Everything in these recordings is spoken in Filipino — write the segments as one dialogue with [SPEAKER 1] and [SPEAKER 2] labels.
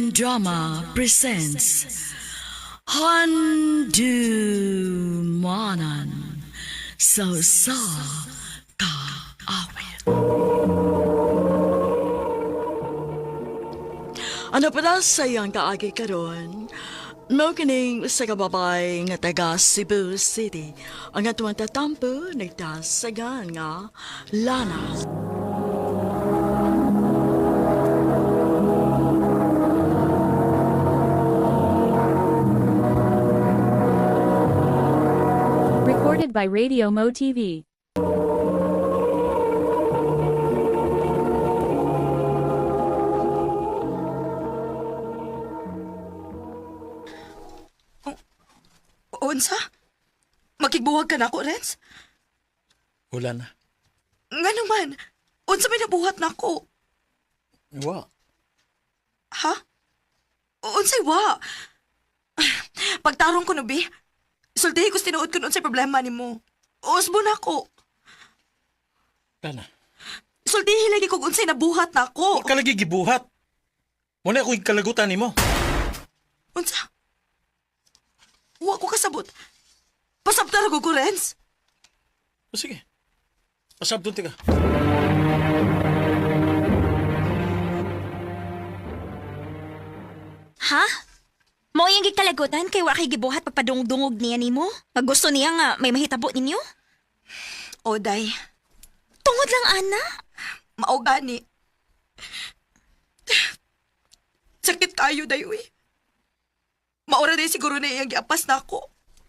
[SPEAKER 1] Drama presents Handumanan sa Kaawit. Ano pala sayang kaagi karon? No kining sa kababay nga taga Cebu City ang atuang tatampo nagtasagan nga Lana.
[SPEAKER 2] Recorded by Radio Mo TV.
[SPEAKER 3] Unsa? Makigbuwag ka na ako, Renz?
[SPEAKER 4] Wala na.
[SPEAKER 3] Nga naman, unsa may nabuhat na ako?
[SPEAKER 4] Wa.
[SPEAKER 3] Ha? Unsay wa? Pagtarong ko no, Bi. Sultihi ko tinuod ko unsay problema ni mo. Usbo na ako.
[SPEAKER 4] Wala na.
[SPEAKER 3] Sultihi lagi kog unsay nabuhat na ako.
[SPEAKER 4] Wa ka lagi gibuhat. Muna ako kalagutan ni mo.
[SPEAKER 3] Unsa? Wa ko kasabot. Pasabtar ko ko, Renz.
[SPEAKER 4] O sige. Pasabdun ka.
[SPEAKER 5] Ha? Mo yung gikalagutan kay wa kay gibuhat pagpadungdungog niya nimo? Pag gusto niya nga may mahitabo ninyo?
[SPEAKER 3] Oday,
[SPEAKER 5] Tungod lang, ana.
[SPEAKER 3] maugani. Sakit kayo, dayoy. Maura din siguro na iyang giapas na ako.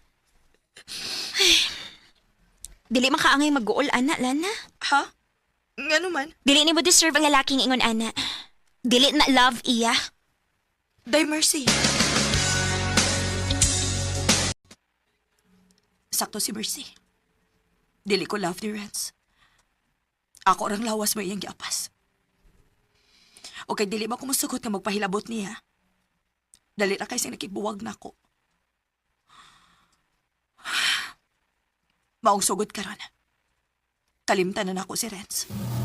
[SPEAKER 5] Dili makaangay mag-uol, ana, Lana.
[SPEAKER 3] Ha? Nga naman.
[SPEAKER 5] Dili ni mo deserve ang lalaking ingon, ana. Dili na love iya.
[SPEAKER 3] Day Mercy. Sakto si Mercy. Dili ko love ni Renz. Ako orang lawas mo iyang giapas. Okay, dili ba kumusugot nga magpahilabot niya? Dali na kayo siyang nakibuwag na ako. Maong sugod ka ron. Kalimtanan ako si Renz.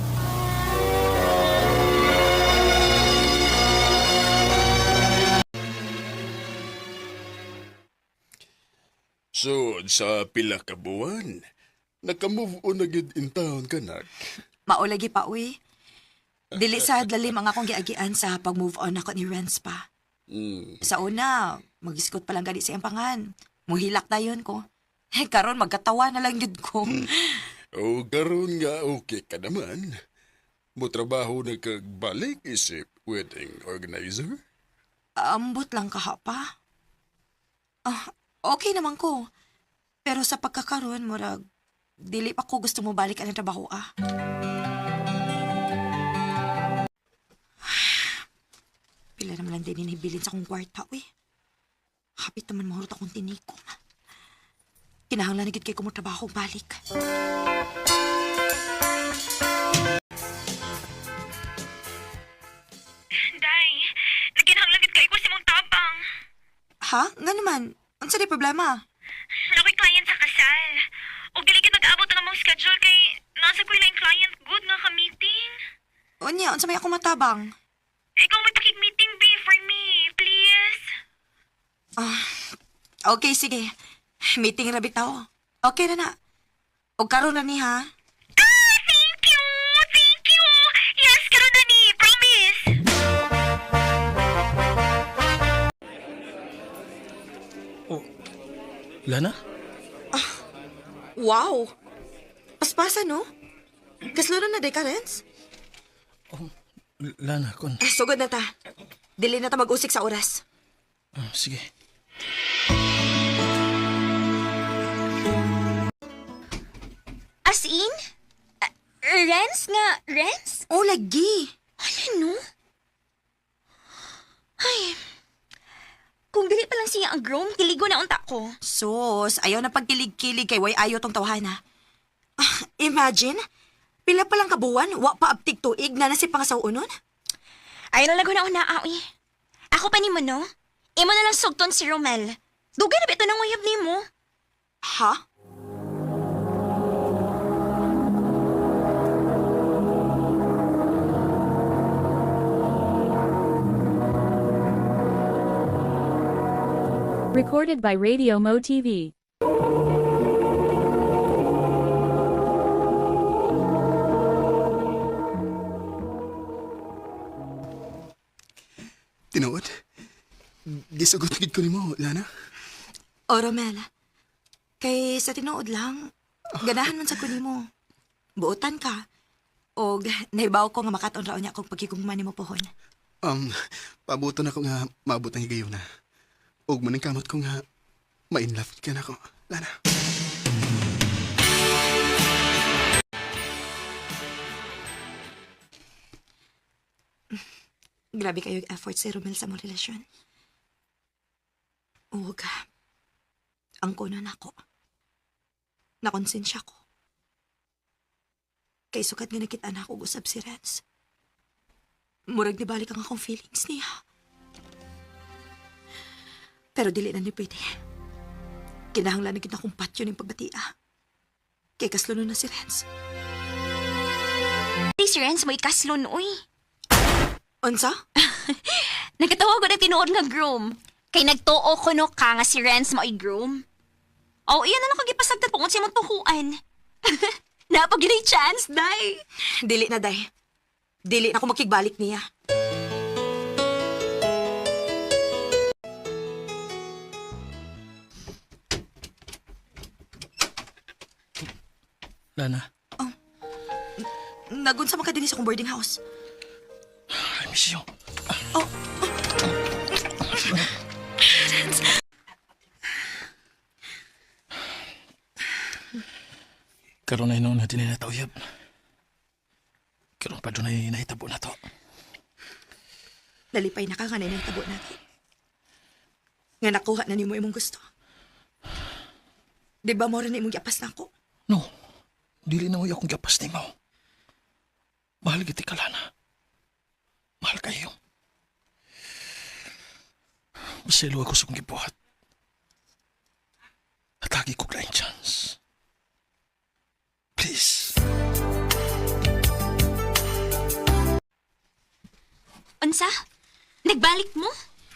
[SPEAKER 6] So, sa pila ka buwan, naka-move on na gid in town ka na.
[SPEAKER 3] Maulagi pa, uy. Dili sa dali mga akong giagian sa pag-move on ako ni Renz pa. Sa una, mag-iskot pa lang gani sa iyang pangan. Muhilak na yun ko. Karon magkatawa na lang yun ko.
[SPEAKER 6] O karon nga okay ka naman. Mo trabaho na kagbalik isip wedding organizer?
[SPEAKER 3] Ambot lang ka pa. Okay naman ko. Pero sa pagkakaroon, murag, dili pa ko gusto mo balik ang trabaho, Pila naman lang din inibilin sa akong kwarta, uy. Hapit naman mahurot akong tinikom. Kinahanglan na gid kay ko mo trabaho balik.
[SPEAKER 5] Day, naginhanglan gid kay ko si mong tabang.
[SPEAKER 3] Ha? Nga naman. Unsa di problema?
[SPEAKER 5] Nakoy client sa kasal. O dili gid nag-abot ang among schedule kay nasa ko lang client good nga ka-meeting.
[SPEAKER 3] Unya, unsa may ako matabang?
[SPEAKER 5] Ikaw may pakig-meeting be for me, please.
[SPEAKER 3] Okay, sige. Meeting na bitaw. Okay na na. O karon na ni, ha?
[SPEAKER 5] Thank you! Thank you! Yes, karon na ni. Promise!
[SPEAKER 4] Oh, Lana?
[SPEAKER 3] Wow! Paspasan, no? Kaslo na day ka, Renz?
[SPEAKER 4] Lana, kon.
[SPEAKER 3] Sugod na ta. Dili na ta mag-usik sa oras.
[SPEAKER 4] Sige.
[SPEAKER 5] As in? Renz nga, Renz?
[SPEAKER 3] Oh, lagi.
[SPEAKER 5] Ano? Ay, kung dili pa lang siya ang groom, kiligo na unta ko.
[SPEAKER 3] Sus, ayaw na pagkilig-kilig kay way ayo tong tawhana. Imagine, pila pa lang kabuwan, wa pa abtig tuig na nasi pangasawunon.
[SPEAKER 5] Ayaw na lago na una, awi. Ako pa ni mo, no? Imo na lang sugton si Romel. Dugay na bito nang uyab ni mo.
[SPEAKER 3] Ha?
[SPEAKER 2] Recorded by Radio Mo TV.
[SPEAKER 6] Tinuod? Gisugot gid ko nimo, Lana.
[SPEAKER 3] O, Romel. Kay sa tinuod lang, ganahan man sa kunin mo. Buotan ka. O, naibaw ko nga makaton raon niya kung pagkikugman mo pohon.
[SPEAKER 6] Pabuto na ko nga maabot ang higayon na. Ug maning kamot ko nga ma-inlove ka na ko, Lana.
[SPEAKER 3] Grabe kayo yung effort si Romel sa mong relasyon. Ug, ang kuno na ako. Nakonsensya ko. Kay sukat nga nakita na ako usab si Renz. Murag ni balik ang akong feelings niya. Pero dili na ni pwede. Kinahanglan na kita akong patyo ng pagbatia. Kay kaslo na si Renz.
[SPEAKER 5] Di si Renz mo ikaslon, uy.
[SPEAKER 3] Unsa?
[SPEAKER 5] Nagkatawag ko na tinuod nga groom. Kay nagtuo ko no ka nga si Renz mo i-groom. Oh, iyan na lang kagipasagtan po kung siya mong tukuan. Napag yun ay chance, day.
[SPEAKER 3] Dili na, day. Dili na ako makigbalik niya.
[SPEAKER 4] Lana,
[SPEAKER 3] Nagunsa man ka din sa akong boarding house.
[SPEAKER 4] I miss you. Karon na noon natin na tauyab. Karon pa doon ay nahitabo na to.
[SPEAKER 3] Nalipay na ka nga na tabo natin. Nga nakuha na ni mo imong gusto. Di ba mo rin imong giapas na ako?
[SPEAKER 4] No, dili na mo akong gapas ni mo. Mahal kita ka, Lana. Mahal kayo. Maselo ako sa kong gibuhat. Atagi ko laing chance. Please.
[SPEAKER 5] Unsa? Nagbalik mo?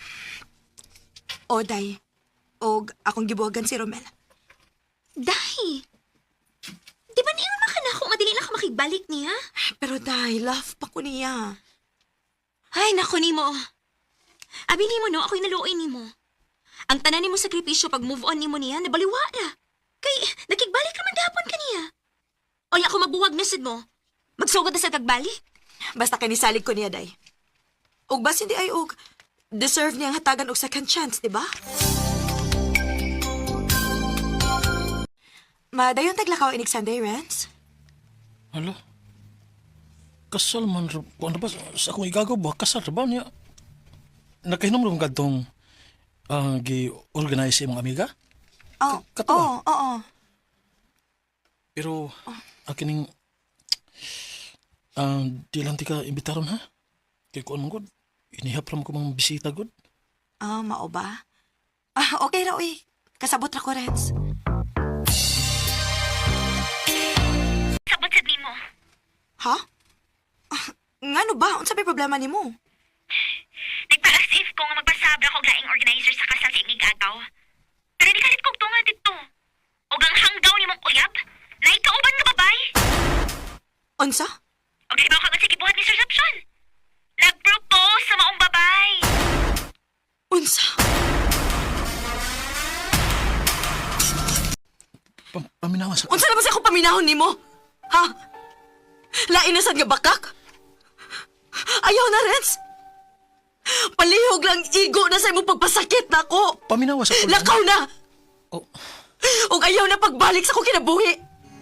[SPEAKER 3] O, day. Og akong gibuhagan si Romel.
[SPEAKER 5] Day. Di ba niyo na ka na kung madali na ka makigbalik niya?
[SPEAKER 3] Pero day, love pa ko niya.
[SPEAKER 5] Ay, naku ni mo. Abi ni mo no, ako'y naluoy ni mo. Ang tanan ni mo sakripisyo pag move on ni mo niya, nabaliwa na. Kay, nakigbalik naman gahapon ka niya. O ako mabuwag na sad mo. Magsugod na sa kagbalik.
[SPEAKER 3] Basta kanisalig ko niya, day. Og bas hindi ay og deserve niyang hatagan og second chance, di ba? Madayon taglakaw inig Sunday, Renz?
[SPEAKER 4] Hala. Kasal man, kung ano ba, sa akong igagaw ba, kasal ba niya? Nakahinom rin kadtong gi-organize sa mga amiga?
[SPEAKER 3] Oo,
[SPEAKER 4] Katuwa.
[SPEAKER 3] oo.
[SPEAKER 4] Pero, akining, di lang ti ka imbitaron ha? Kaya kung ano god, inihap lang ko mga bisita god.
[SPEAKER 3] Mao ba? Okay ra, uy. Kasabot ra ko, Renz.
[SPEAKER 5] Sabot sad ni mo.
[SPEAKER 3] Ha? Ngano ba? Unsa may problema nimo?
[SPEAKER 5] Nagpa-as-if ko nga magpasabra ko laing organizer sa kasal sa ingig agaw. Pero di kalit kong tunga dito. O gang hanggaw ni mong uyab, na ikauban nga babay.
[SPEAKER 3] Unsa?
[SPEAKER 5] O gaibaw ka nga sa gibuhat ni Sir Sapson. Nag-propose sa maong babay.
[SPEAKER 3] Unsa?
[SPEAKER 4] Paminawa sa...
[SPEAKER 3] Unsa naman sa ako paminahon nimo? Ha? Lain na sad nga bakak? Ayaw na, Renz. Palihog lang igo na sa imong pagpasakit na ako.
[SPEAKER 4] Paminawa sa...
[SPEAKER 3] Lakaw na!
[SPEAKER 4] Oh,
[SPEAKER 3] Ug ayaw na pagbalik sa ko kinabuhi.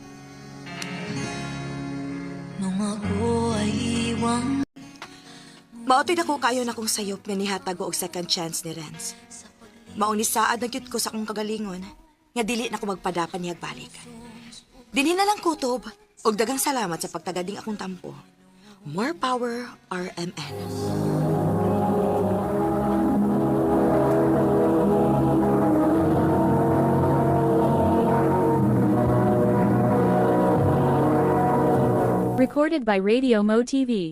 [SPEAKER 3] Maotoy na ko kayo na kong sayop nga nihatag og second chance ni Renz. Mauni saad na gyud ko sa kong kagalingon nga dili na ko magpadapan niyag balik. Dinhi na lang kutob og dagang salamat sa pagtagading akong tampo. More power, RMN.
[SPEAKER 2] Recorded by Radio Mo TV.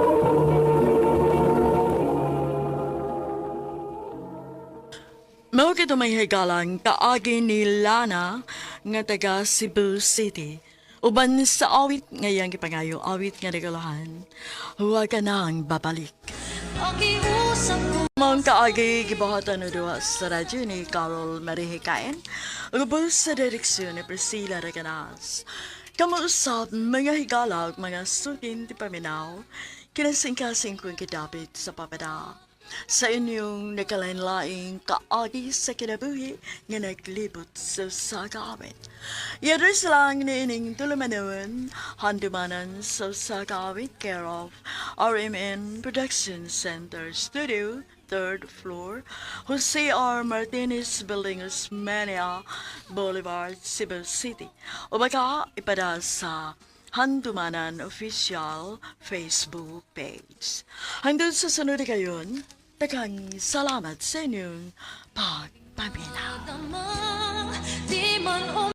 [SPEAKER 1] Mao Mao kito may higalang kaagi ni Lana nga taga Cebu City. Uban sa awit ngayang gipangayo awit nga regalahan. Huwag ka nang babalik. Mong kaagi gibahatan na duwa sa radyo ni Carol Marihikain. Ubos sa direksyon ni Priscilla Reganas. Kamuusap mga higala ug mga sukin ti paminaw. Kinasingkasing kong kidapit sa papada. Sa inyong nakalain-laing kaagi sa kinabuhi nga naglibot sa sagawit. Yadres lang ni ining tulumanon, handumanan sa sagawit care of RMN Production Center Studio, 3rd floor, Jose R. Martinez Building, Osmeña Boulevard, Cebu City. O baka ipada sa Handumanan Official Facebook page. Hanggang sa sunod na kayon, tagang salamat sa inyong pagpaminaw.